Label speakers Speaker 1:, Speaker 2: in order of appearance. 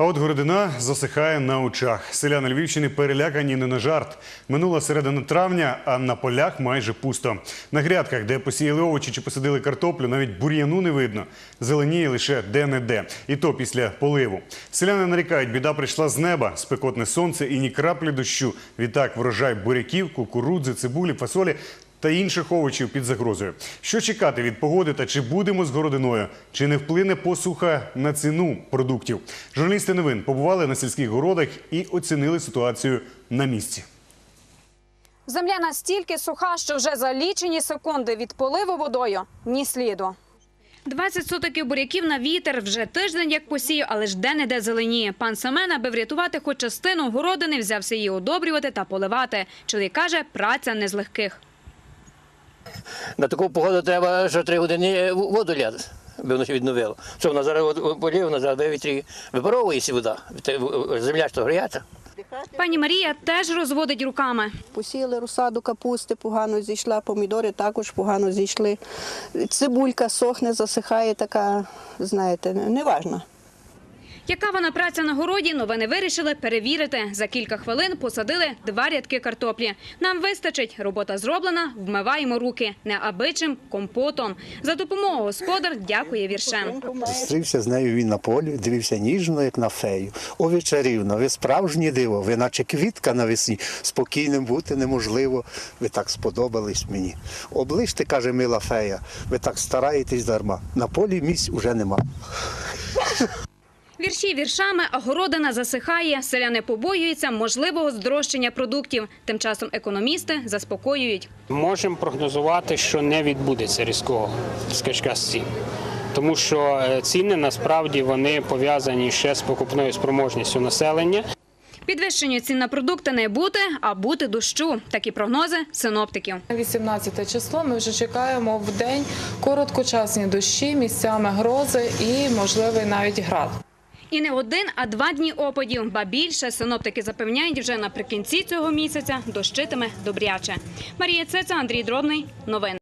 Speaker 1: А от городина засихає на очах. Селяни Львівщини перелякані не на жарт. Минула середина травня, а на полях майже пусто. На грядках, де посіяли овочі чи посадили картоплю, навіть бур'яну не видно. Зеленіє лише де-не-де. І то після поливу. Селяни нарікають, біда прийшла з неба. Спекотне сонце і ні краплі дощу. Відтак врожай буряків, кукурудзи, цибулі, фасолі та інших овочів під загрозою. Що чекати від погоди та чи будемо з городиною? Чи не вплине посуха на ціну продуктів? Журналісти новин побували на сільських городах і оцінили ситуацію на місці.
Speaker 2: Земля настільки суха, що вже за лічені секунди від поливу водою ні сліду. 20 сотиків буряків на вітер, вже тиждень як посію, але ж де-не-де зеленіє. Пан Семен, аби врятувати хоч частину городини, взявся її одобрювати та поливати. Чоловік каже, праця не з легких.
Speaker 3: На таку погоду треба, що 3 години воду ляти, аби воно відновило. Що вона зараз полів, вона зараз вивітрі випаровується вода, земля ж то гріється.
Speaker 2: Пані Марія теж розводить руками.
Speaker 4: Посіяли розсаду капусти, погано зійшла, помідори також погано зійшли. Цибулька сохне, засихає, така, знаєте, неважна.
Speaker 2: Яка вона праця на городі, новини вирішили перевірити. За кілька хвилин посадили 2 рядки картоплі. Нам вистачить. Робота зроблена, вмиваємо руки. Не абичим, компотом. За допомогою господар дякує віршем.
Speaker 5: Зустрівся з нею він на полі, дивився ніжно, як на фею. О, ви чарівна, ви справжнє диво, ви наче квітка навесні. Спокійним бути неможливо, ви так сподобались мені. Оближте, каже мила фея, ви так стараєтесь дарма. На полі місць уже нема.
Speaker 2: Вірші віршами, а городина засихає. Селяни побоюються можливого здорожчання продуктів. Тим часом економісти заспокоюють.
Speaker 6: Можемо прогнозувати, що не відбудеться різкого скачка цін. Тому що ціни насправді вони пов'язані ще з покупною спроможністю населення.
Speaker 2: Підвищення цін на продукти не бути, а бути дощу. Такі прогнози синоптиків.
Speaker 7: 18 число ми вже чекаємо в день короткочасні дощі, місцями грози і можливий навіть град.
Speaker 2: І не 1, а 2 дні опадів. Ба більше, синоптики запевняють, вже наприкінці цього місяця дощитиме добряче. Марія Цеца, Андрій Дробний. Новини.